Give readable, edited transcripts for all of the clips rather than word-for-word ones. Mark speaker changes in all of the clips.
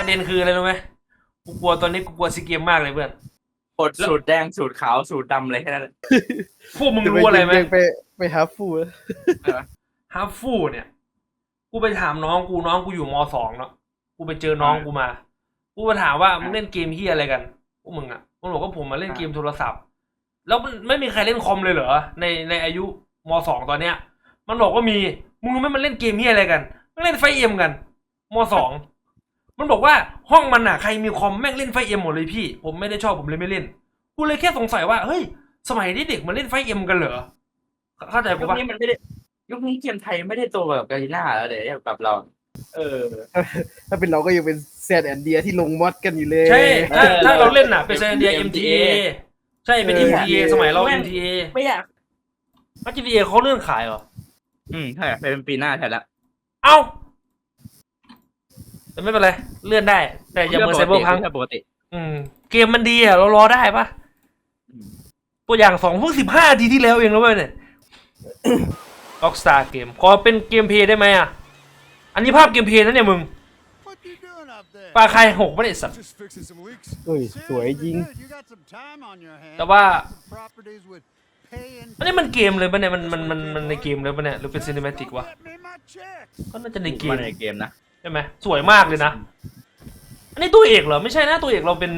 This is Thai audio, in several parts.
Speaker 1: ประเด็นคืออะไรรู้ไหมกูกลัวตอนนี้กูกลัวซีเกมมากเลยเพื่อน
Speaker 2: กดสูตรแดงสูตรขาวสูตรดำอะไรแค่นั้น
Speaker 1: พวกมึงรู้อะไรไหม
Speaker 3: ไปหาฟูล
Speaker 1: ฮาร์ฟฟูเนี่ยกูไปถามน้องกูอยู่ม.2เนาะกูไปเจอน้องกูมากูไปถามว่ามึงเล่นเกมเฮียอะไรกันพวกมึงอ่ะมันบอกว่าผมมาเล่นเกมโทรศัพท์แล้วมันไม่มีใครเล่นคอมเลยเหรอในอายุม.2ตอนเนี้ยมันบอกว่ามีมึงรู้ไหมมันเล่นเกมเฮียอะไรกันมันเล่นไฟเอ็มกันม.2มันบอกว่าห้องมันอ่ะใครมีคอมแม่งเล่นไฟเอ็มหมดเลยพี่ผมไม่ได้ชอบผมเลยไม่เล่นกูเลยแค่สงสัยว่าเฮ้ยสมัยนี้เด็กมันเล่นไฟเอ็มกันเหรอเข้าใจ
Speaker 2: ยุ
Speaker 1: กู
Speaker 2: ค
Speaker 1: ปะ
Speaker 2: นี้มันไม่ได้ยุคนี้เกมไทยไม่ได้โตแบบกาลิน่าแล้วเดี๋ยวแบบเรา
Speaker 3: ถ้าเป็นเราก็ยังเป็นแซดแอนเดียที่ลงมอดกันอยู่เลย
Speaker 1: ใช่ถ้าเราเล่นน่ะเป็นเซนเดีย MTA ใช่เป็น MTA สมัยเรา MTA
Speaker 2: ไม่อยาก
Speaker 1: MTA เขาเลื่อนขายเหรอ
Speaker 2: ใช่เป็นปีหน้าแทนละ
Speaker 1: เอ้าแต่ไม่เป็นไรเลื่อนได้ แต่อย่าเหมือนไซเบอร์พัง
Speaker 2: ปกติ
Speaker 1: เกมมันดีอ่ะเรารอได้ปะตัวอย่าง2เพิ่ง15นาทีที่แล้วเองแล้วเว้ยเนี่ย Rockstar เกมขอเป็นเกมเพลย์ได้ไหมอ่ะอันนี้ภาพเกมเพลย์นะเนี่ยมึงปลาใครหกไม่ได้สัตว์
Speaker 3: เอ้ยสวยจริง
Speaker 1: แต่ว่าอันนี้มันเกมเลยปะเนี่ยมันในเกมเลยปะเนี่ยหรือเป็นซีนิเมติกวะก็น่าจะในเกม
Speaker 2: มาในเกมนะ
Speaker 1: ใช่ไหมสวยมากเลยนะอันนี้ตัวเอกเหรอไม่ใช่นะตัวเอกเราเป็น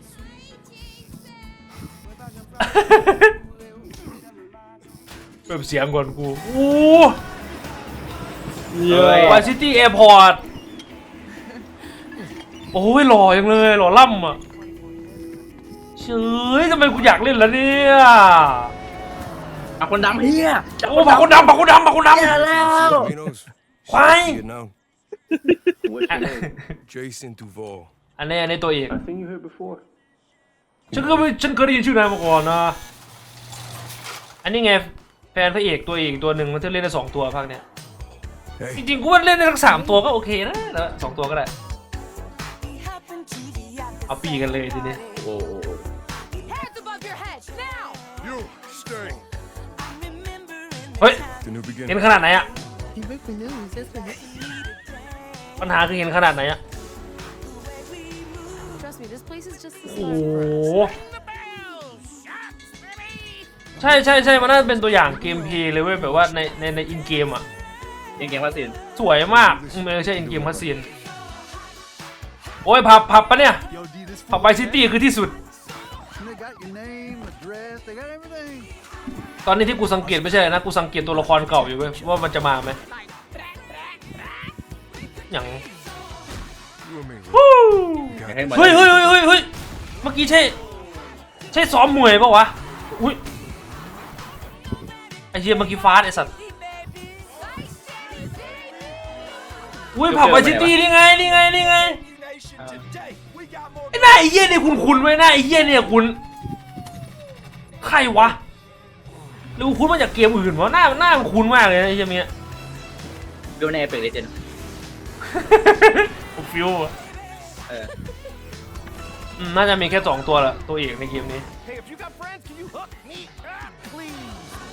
Speaker 1: เปิดเสียงก่อนกูอู้วายซิตี้แอร์พอร์ตโอ้ยหล่อยังเลยหล่อล่ำอ่ะเฉยทำไมกูอยากเล่นแล้วเนี่ย
Speaker 2: คนดำเฮีย
Speaker 1: โอ้ผักคนดำ
Speaker 2: เฮียแล้ว
Speaker 1: ควาย
Speaker 4: Jason Duval
Speaker 1: อันนี้ตัวเอกฉันเคยได้ยินชื่อนายมาก่อนนะอันนี้ไงแฟนพระเอกตัวเอกตัวหนึ่งมันจะเล่นได้2ตัวภาคเนี้ย
Speaker 4: Hey
Speaker 1: จริงๆกูว่าเล่นได้ทั้ง3ตัวก็โอเคนะแล้ว2ตัวก็ได้เอาปีกันเลยทีนี้
Speaker 2: โอ้
Speaker 5: Hands above your heads now!
Speaker 4: You stay
Speaker 1: เฮ้ย
Speaker 4: The new
Speaker 1: เห็น
Speaker 4: beginning
Speaker 1: ขนาดไหนอะปัญหาคือเห็นขนาดไหนอะ
Speaker 5: Trust me, this place is just the
Speaker 1: โอ้
Speaker 5: start.
Speaker 1: โหใช่มันน่าจะเป็นตัวอย่างเกมเพลย์เลยเว้ยแบบว่าในอินเกมอะ
Speaker 2: ยังเกมว่าสิน
Speaker 1: สวยมากไม่ใช่อินเกมคัสซีนโอ้ยผับปะเนี่ยผับไบซิตี้คือที่สุด ตอนนี้ที่กูสังเกตไม่ใช่นะกูสังเกตตัวละครเก่าอยู่เว้ยว่ามันจะมาไหมอย่าง
Speaker 4: You and me
Speaker 1: ฮู้
Speaker 2: ให้เหมือน
Speaker 1: เฮ้ยเมื่อกี้ใช่ซ้อมมวยปะวะอุ้ยไอเหี้ยเมื่อกี้ฟาดไอสัตว์อุ้ยผับไบซิตี้นี่ไงไอ้หน้าไอ้เหี้ยเนี่ยคุณไว้หน้าไอ้เหี้ยเนี่ยคุณใครวะหรือคุณมาจากเกมอื่นวะหน้ามันคุ้นมากเลยนะไอ้เหี้ยเนี้ย
Speaker 2: ดูในเปกเลเจน
Speaker 1: ผมฟิวอะน่าจะมีแค่2ตัวแหละตัวเอกในเกมนี้
Speaker 4: Hey if you got friends can you hook me up please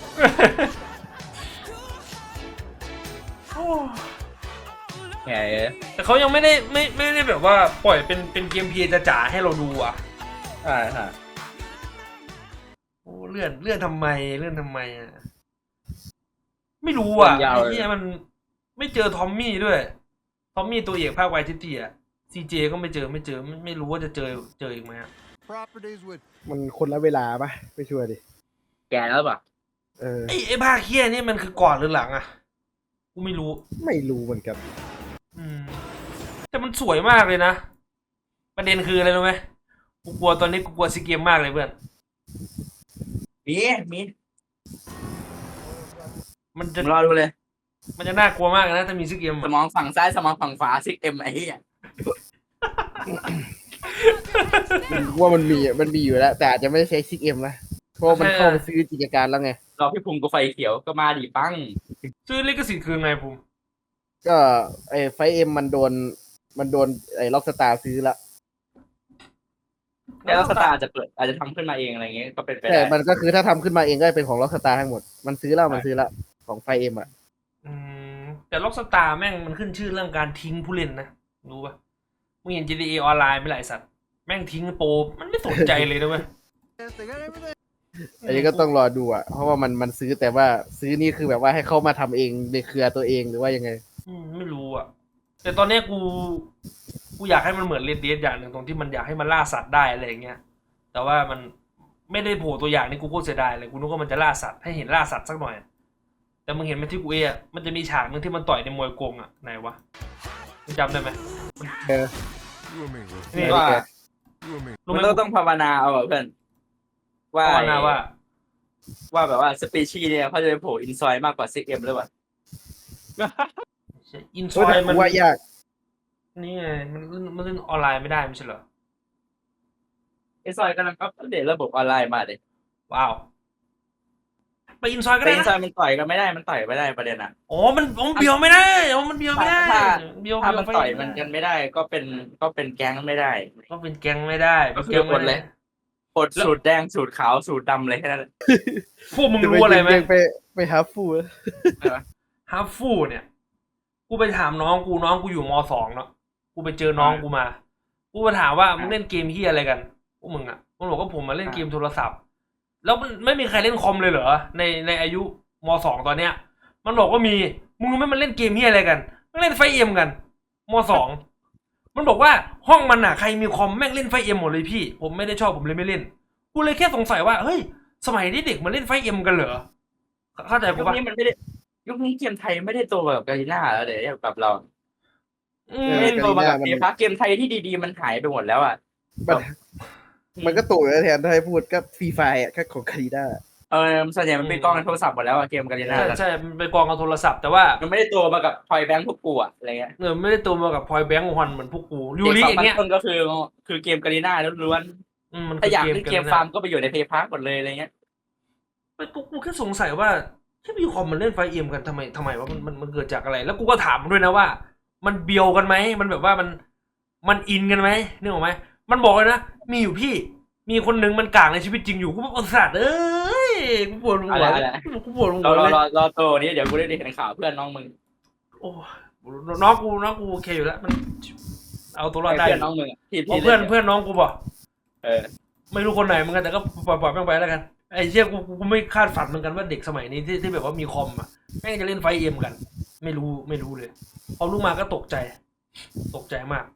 Speaker 2: แหม
Speaker 1: แต่เขายังไม่ได้แบบว่าปล่อยเป็นเกมเพลย์จ๋าๆให้เราดูอ่ะ
Speaker 2: ใช่ค่ะ
Speaker 1: โอ้เลื่อนทำไมอ่ะไม่รู้อ่ะไอ้เหี้ยมันไม่เจอทอมมี่ด้วยทอมมี่ตัวเอกภาคไวท์ซิตี้อ่ะซีเจก็ไม่เจอไม่รู้ว่าจะเจออีกไหมอะ
Speaker 3: มันคนละเวลาปะไม่ชัวร์ดิ
Speaker 2: แกแล้วป่ะ
Speaker 1: ไอ้ภาคเหี้ยนี่มันคือก่อนหรือหลังอ่ะกูไม่รู้
Speaker 3: ไม่รู้เหมือนกัน
Speaker 1: แต่มันสวยมากเลยนะประเด็นคืออะไรรู้ไหมกูกลัวซีเกมมากเลยเพื่อน
Speaker 2: มี
Speaker 1: มันจะ
Speaker 2: รอดูเลย
Speaker 1: มันจะน่ากลัวมากนะถ้ามีซีเกม
Speaker 2: สมองฝั่งซ้ายสมองฝั่งขวา6M ไอ้เหี้ย
Speaker 3: ว่ามันมีอยู่แล้ว แต่อาจจะไม่ได้ใช้ 6M นะเพราะมันเข้าไปซื้อกิจการแล้วไง
Speaker 2: รอพี่ภูมิกูไฟเขียวก็มาดิปั้ง
Speaker 1: ซื้อลิขสิทธิ์คือไงผม
Speaker 3: ก็ไอ้ไฟเอ็มมันโดนไอ้ล็อกสตาร์ซื้อละ
Speaker 2: แล้วสตาร์จะเปิดอาจจะทำขึ้นมาเองอะไรเงี้ยก็เป็นไป
Speaker 3: แต่
Speaker 2: ได้
Speaker 3: มันก็คือถ้าทำขึ้นมาเองก็เป็นของล็อกสตาร์ทั้งหมดมันซื้อละของไฟเอ็มอ่ะ
Speaker 1: แต่ล็อกสตาร์แม่งมันขึ้นชื่อเรื่องการทิ้งผู้เล่นนะรู้ปะมึงเห็น GTA ออนไลน์ไหม่หลายสัตว์แม่งทิ้งโปรมันไม่สนใจเลยนะเว้ย
Speaker 3: อันนี้ก็ต้องรอดูอ่ะเพราะว่ามันซื้อแต่ว่าซื้อนี่คือแบบว่าให้เข้ามาทำเองในเครือตัวเองหรือว่ายังไง
Speaker 1: ไม่รู้อ่ะ แต่ตอนเนี้ยกูอยากให้มันเหมือนเรดเดดอย่างหนึ่งตรงที่มันอยากให้มันล่าสัตว์ได้อะไรอย่างเงี้ยแต่ว่ามันไม่ได้โผล่ตัวอย่างนี่กูโคตรเสียดายเลยกูนึกว่ามันจะล่าสัตว์ให้เห็นล่าสัตว์สักหน่อย แต่มึงเห็นไหมที่กูมันจะมีฉากนึงที่มันต่อยในมวยกงอ่ะไหนวะมึงจำได้ไหม
Speaker 3: เออ
Speaker 4: You and me, bro.
Speaker 1: นี่
Speaker 2: ว่า
Speaker 4: You and me.
Speaker 1: รู้
Speaker 2: มัน
Speaker 1: ไหม
Speaker 2: ต้องภาวนาเอาอะเพื่อนว่า
Speaker 1: ภาวนาว่า
Speaker 2: ว่าแบบว่าสปีชีส์เนี่ยเขาจะไปโผล่อินซอยมากกว่าซิกเอ็มหรือเปล่า
Speaker 1: อินซ
Speaker 3: เฮ้ย
Speaker 1: อย
Speaker 3: แต่
Speaker 1: มัน
Speaker 3: กูว่ายาก
Speaker 1: นี่ไงมันเล่นออนไลน์ไม่ได้ไม่ใช่เหรอ
Speaker 2: อินซอยกำลังอัปเดตระบบออนไลน์มาเลย
Speaker 1: ว้าวไปอินซอยก็
Speaker 2: แต่
Speaker 1: ได้
Speaker 2: อิน
Speaker 1: นะ
Speaker 2: ซอยมันต่อยกันไม่ได้มันต่อยไม่ได้ประเด็นอ่ะ
Speaker 1: อ๋อมันเบียวไม่ได้อ๋อมันเบียวไม่ได้
Speaker 2: ถ้า
Speaker 1: เบียว
Speaker 2: ถ้ามัน
Speaker 1: ไฟ
Speaker 2: ต่อยมันกันไม่ได้ก็เป็นแก๊งไม่ได้
Speaker 1: ก็เป็นแก๊งไม่ได้
Speaker 2: ก็คือ
Speaker 1: แก๊งไม่
Speaker 2: กดเลย กดสูตรแดงสูตรขาวสูตรดำเลยแค่นั้นแหละ
Speaker 1: พวกมึงรู้อะไรไหม
Speaker 3: ยังไปหาฟูด
Speaker 1: ฮาฟูเนี่ย กูไปถามน้องกูอยู่ม.2เนาะกูไปเจอน้องกูมา กูไปถามว่ามึงเล่นเกมเฮียอะไรกันพวกมึงอ่ะมันบอกว่าผมมาเล่นเกมโทรศัพท์ แล้วมันไม่มีใครเล่นคอมเลยเหรอในอายุม.2ตอนเนี้ย มันบอกว่ามีมึงรู้ไหมมันเล่นเกมเฮียอะไรกันมันเล่นไฟเอ็มกันม.2มันบอกว่าห้องมันอ่ะใครมีคอมแม่งเล่นไฟเอ็มหมดเลยพี่ผมไม่ได้ชอบผมเลยไม่เล่นกูเลยแค่สงสัยว่าเฮ้ยสมัยนี้เด็กมันเล่นไฟเอ็มกันเหรอเข้าใจกู
Speaker 2: ยุค
Speaker 1: ปะ
Speaker 2: นี้มันไม่ได้ยุคนี้เกมไทยไม่ได้โตแบบกาลิน่าแล้วเดี๋ยวแบบเรา ไม่ได้โตมากับเกมพักเกมไทยที่ดีๆมันหายไปหมดแล้วอ่ะ
Speaker 3: มันก็ตู่แล้วแทนถ้าให้พูดก็ฟรีไฟอ่ะก็ของคาริด้า
Speaker 2: ส่วนใหญ่มันเป็นกล้องในโทรศัพท์หมดแล้วอะเกมกาลิน่า
Speaker 1: ใช่มันไปกองกับโทรศัพท์แต่ว่า
Speaker 2: มันไม่ได้โตมากับพอยแบงค์พวกกูอะอะไรเงี้ย
Speaker 1: ไม่ได้ตัวมากับพอยแบงค์ฮอนเหมือนพวกกูยู
Speaker 2: เด็ก
Speaker 1: ริ
Speaker 2: สอง
Speaker 1: อย่าง
Speaker 2: พัน
Speaker 1: เงี้ย
Speaker 2: ต้นก็คือเกมกาลิน่าล้วน
Speaker 1: มัน
Speaker 2: ๆถ้าอยาก
Speaker 1: คื
Speaker 2: เล่นเกมฟาร์มก็ไปอยู่ในเพย์พาร์คหมดเลยอะไรเงี้ย
Speaker 1: กูแค่สงสัยว่าที่มีคอมมันเล่นไฟเอ็มกันทำไมว่ามันเกิดจากอะไร แล้วกูก็ถามมันด้วยนะว่า มันเบียวกันไหมมันแบบว่ามันอินกันไหมนึกออกไหมมันบอกเลยนะมีอยู่พี่ มีคนหนึ่งมันกลางในชีวิตจริงอยู่กูประสาทเอ้ยกูปวดหัวกูปวดหัวเลย
Speaker 2: รอโตนี้เดี๋ยวกูได้เห็นข่าวเพื่อนน้องมึง
Speaker 1: โอ้น้องกูโอเคอยู่แล้วมันเอาตัวรอดได้
Speaker 2: เพื่อนน้องมึงที่
Speaker 1: เพื่อนน้องกูบอก
Speaker 2: เออ
Speaker 1: ไม่รู้คนไหนเหมือนกันแต่ก็ปล่อยแม่งไปแล้วกันไอ้เชี่ยกูไม่คาดฝันเหมือนกันว่าเด็กสมัยนี้ที่แบบว่ามีคอมอ่ะแม่งจะเล่นไฟเอ็มกัน ไม่รู้เลยพอรู้มาก็ตกใจมาก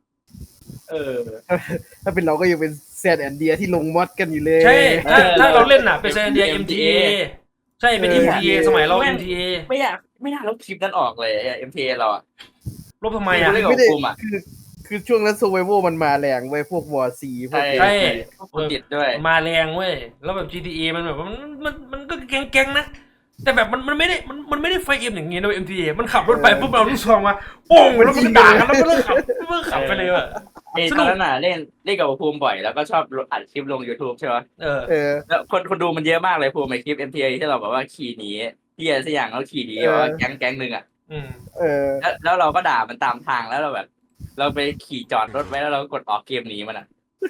Speaker 3: ถ้าเป็นเราก็ยังเป็นแซดแอนเดียที่ลงมอดกันอยู่เลย
Speaker 1: ใช่ถ้าเราเล่นอ่ะเป็นเซนเดีย MTA ใช่เป็น MTA สมัยเรา MTA
Speaker 2: ไม่น่าลบคลิปนั้นออกเลย MTA เราอะ
Speaker 1: ลบทำไมอ่ะ
Speaker 2: ไม่ได้
Speaker 3: ไม่ได้
Speaker 2: คุมอะ
Speaker 3: คือช่วงนั้นโซเวโวมันมาแรงไว้ยพวกวอร์ซีพวก
Speaker 1: ใช่
Speaker 2: กูติดด้วย
Speaker 1: มาแรงเว้ยแล้วแบบ GTA มันแบบว่ามันก็แก๊งนะแต่แบบมันไม่ได้ไฟเอ็มอย่างงี้นะ MTA มันขับรถไปปุ๊บเอาลูกซองมาโป้งแล้วมันก็ด่ากันแล้วมันเลิกขับไปเลยว่ะ
Speaker 2: ตอนนั้นน่ะเล่นกับภูมิบ่อยแล้วก็ชอบอัดคลิปลง YouTube ใช่ไหม
Speaker 1: เออ
Speaker 2: แล้วคนดูมันเยอะมากเลยภูมิในคลิป MTA ที่เราแบบว่าขี่หนีที่อะไรสักอย่างแล้วขี่หนีแบบว่าแก๊งหนึ่งอ่ะ
Speaker 3: เออ
Speaker 2: แล้วเราก็ด่ามันตามทางแล้วเราแบบ เราไปขี่จอดรถไว้แล้วเราก็กดออกเกมหนีมันอ่ะ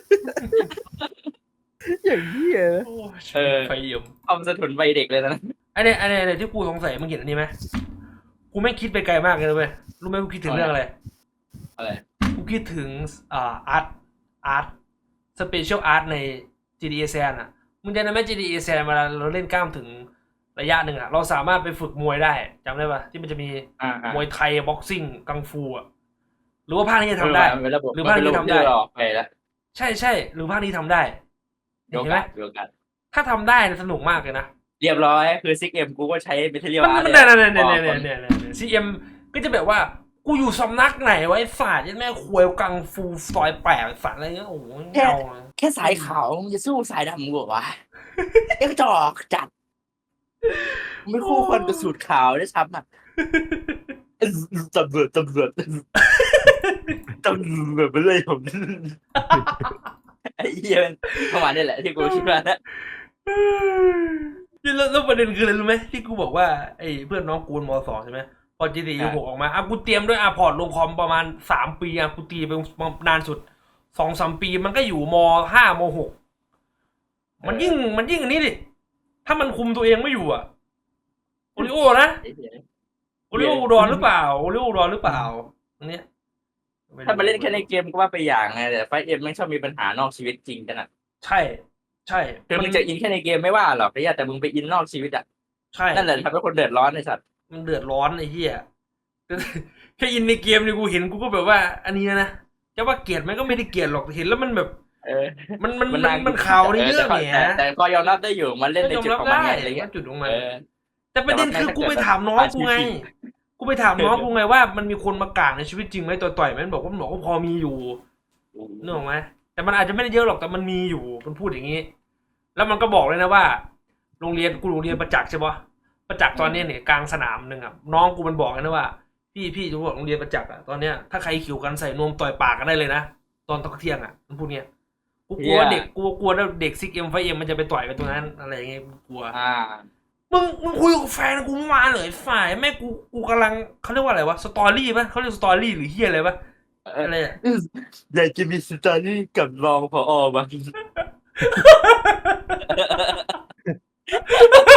Speaker 3: อย่างนี้ย
Speaker 1: ไฟเอ็ม
Speaker 2: ความสะทุนวัยเด็กเลยนะ
Speaker 1: อันนี้ที่กูสงสัยมึงเห็นอันนี้ไหมกูไม่คิดไปไกลมากเลยเว้ยรู้ไหมกูคิดถึงเรื่องอะไร
Speaker 2: อะไร
Speaker 1: กูคิดถึงอาร์ตสเปเชียลอาร์ตใน GTA San อ่ะมึงจำได้ไหม GTA San เวลาเราเล่นกล้ามถึงระยะหนึ่งอ่ะเราสามารถไปฝึกมวยได้จำได้ปะที่มันจะมีมวยไทยบ็อกซิ่งกังฟูอ่ะหรือว่าภาคนี้จะทำได้ หรือภาคนี้ทำได้
Speaker 2: หรอกไปแล้ว
Speaker 1: ใช่หรือภาคนี้ทำได้
Speaker 2: เดี๋ยว
Speaker 1: เห็นไหม
Speaker 2: กัน
Speaker 1: ถ้าทำได้เนี่ยสนุกมากเลยนะ
Speaker 2: เรียบร้อยคือซิกเอ็มกูก็ใช้เมทัลเลียล
Speaker 1: มัน
Speaker 2: อาร์ต
Speaker 1: เนี่ยซีเอ็มก็จะแบบว่ากูอยู่สำนักไหนไว้ศาสตร์ยันแม่ควยกังฟูซอยแปดสัตว์อะไรเงี้ยโอ้โหเงา
Speaker 2: แค่สายขาวมึงจะสู้สายดำกูเหรอวะเอ็กจอกจัดไม่คู่ควรกับสูตรขาวด้วยซ้ำอ่ะตำรวจไปเลยผมไอ้เหี้ยมันประมาณนี้แหละที่กูคิดว่านะ
Speaker 1: แล้วประเด็นคืออะไรรู้ไหมที่กูบอกว่าไอ้เพื่อนน้องกูม.2 ใช่ไหมพอ GTA 6ออกมากูเตรียมด้วยพอร์ตลงคอมประมาณ3 ปีกูตีไปนานสุด 2-3 ปีมันก็อยู่ม.5 ม.6 มันยิ่งอันนี้ดิถ้ามันคุมตัวเองไม่อยู่โอริโอนะโอริโออุดรหรือเปล่าอันเนี้ย
Speaker 2: ถ้ามาเล่นแค่ในเกมก็ว่าไปอย่างไงแต่ไฟเอ็มไม่ชอบมีปัญหานอกชีวิตจริงกันอ่ะ
Speaker 1: ใช่ใช่
Speaker 2: คือมึงจะอินแค่ในเกมไม่ว่าหรอกแต่มึงไปอินนอกชีวิตอ่ะ
Speaker 1: ใช่
Speaker 2: นั่นแหละทำให้คนเดือดร้อนไอ้สัตว์
Speaker 1: มันเดือดร้อนไอ้เหี้ย แค่อินในเกมนี่กูเห็นกูก็แบบว่า อันนี้นะจะว่าเกลียดมันก็ไม่ได้เกลียดหรอกเห็นแล้วมันแบบ
Speaker 2: เออ
Speaker 1: มันข่าวในเรื่องเนี่ย
Speaker 2: แต่ก็ยอมรับได้อยู่มันเล่นใน
Speaker 1: ยอม
Speaker 2: จุด
Speaker 1: รับ
Speaker 2: ของมัน
Speaker 1: ได้
Speaker 2: ไงอะไรเงี้ย
Speaker 1: จุดของมัน
Speaker 2: เออ
Speaker 1: แต่ประเด็นคือกูไปถามน้องกูไง กูไปถามน้องกูไงว่ามันมีคนมากลางในชีวิตจริงไหมต่อยๆไหมมันบอกว่าพอมีอยู่นึกออกไหมแต่มันอาจจะไม่ได้เยอะหรอกแต่มันมีอยู่มันพูดอย่างนี้ แล้วมันก็บอกเลยนะว่า โรงเรียนประจักษ์ใช่ปะประจักษ์ตอนนี้เนี่ยกลางสนามหนึ่งอ่ะน้องกูมันบอกเลยนะว่า พี่จะบอกโรงเรียนประจักษ์อ่ะตอนเนี้ยถ้าใครขิวกันใส่นวมต่อยปากกันได้เลยนะตอนตะเที่ยงอ่ะมันพูดเนี้ยกูกลัวว่าเด็กกูกลัวว่าเด็กซิกเอ็มไฟเอ็มมันจะไปต่อยกันตรงนั้นอะไรอย่างเงี้ยกูกลัว มึงคุยกับแฟนกูเมื่อวานเลยฝ่ายแม่กูกำลังเขาเรียกว่าอะไรวะสตอรี่ปะเขาเรียกสตอรี่หรือเฮียอะไรปะอะไรอะ
Speaker 2: อยากจะมีสตอรี่กับรองผอบ้าง